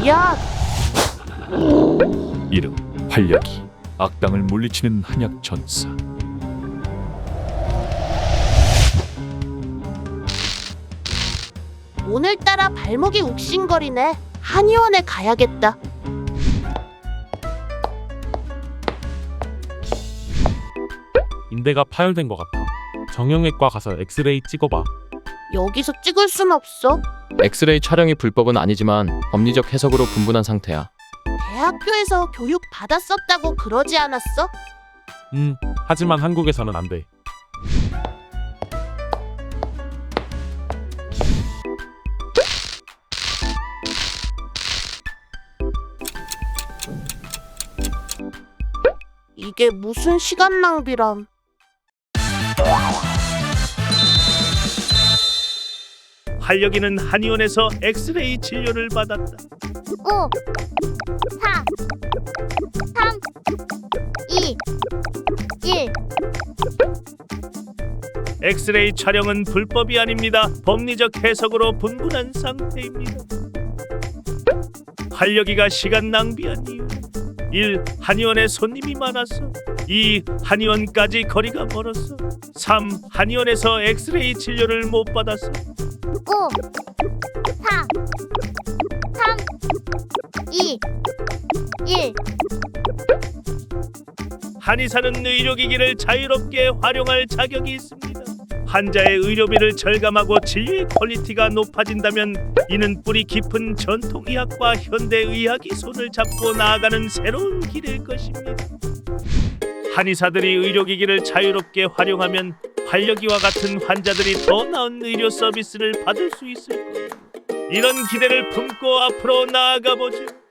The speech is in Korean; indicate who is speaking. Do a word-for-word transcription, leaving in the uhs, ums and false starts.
Speaker 1: 야!
Speaker 2: 이름 활력이, 악당을 물리치는 한약 전사.
Speaker 1: 오늘따라 발목이 욱신거리네. 한의원에 가야겠다.
Speaker 3: 인대가 파열된 것 같아. 정형외과 가서 엑스레이 찍어봐.
Speaker 1: 여기서 찍을 순 없어.
Speaker 4: 엑스레이 촬영이 불법은 아니지만 법리적 해석으로 분분한 상태야.
Speaker 1: 대학교에서 교육 받았었다고 그러지 않았어?
Speaker 3: 음, 하지만 한국에서는 안 돼.
Speaker 1: 이게 무슨 시간 낭비람.
Speaker 5: 활력이는 한의원에서 엑스레이 진료를 받았다.
Speaker 6: 오, 사, 삼, 이, 일.
Speaker 5: 엑스레이 촬영은 불법이 아닙니다. 법리적 해석으로 분분한 상태입니다. 활력이가 시간 낭비한 이유: 일. 한의원에 손님이 많았어. 이. 한의원까지 거리가 멀었어. 삼. 한의원에서 엑스레이 진료를 못 받았어.
Speaker 6: 오, 사, 삼, 이, 일.
Speaker 5: 한의사는 의료기기를 자유롭게 활용할 자격이 있습니다. 환자의 의료비를 절감하고 진료의 퀄리티가 높아진다면 이는 뿌리 깊은 전통의학과 현대의학이 손을 잡고 나아가는 새로운 길일 것입니다. 한의사들이 의료기기를 자유롭게 활용하면 활력이와 같은 환자들이 더 나은 의료 서비스를 받을 수 있을 거예요. 이런 기대를 품고 앞으로 나아가 보죠.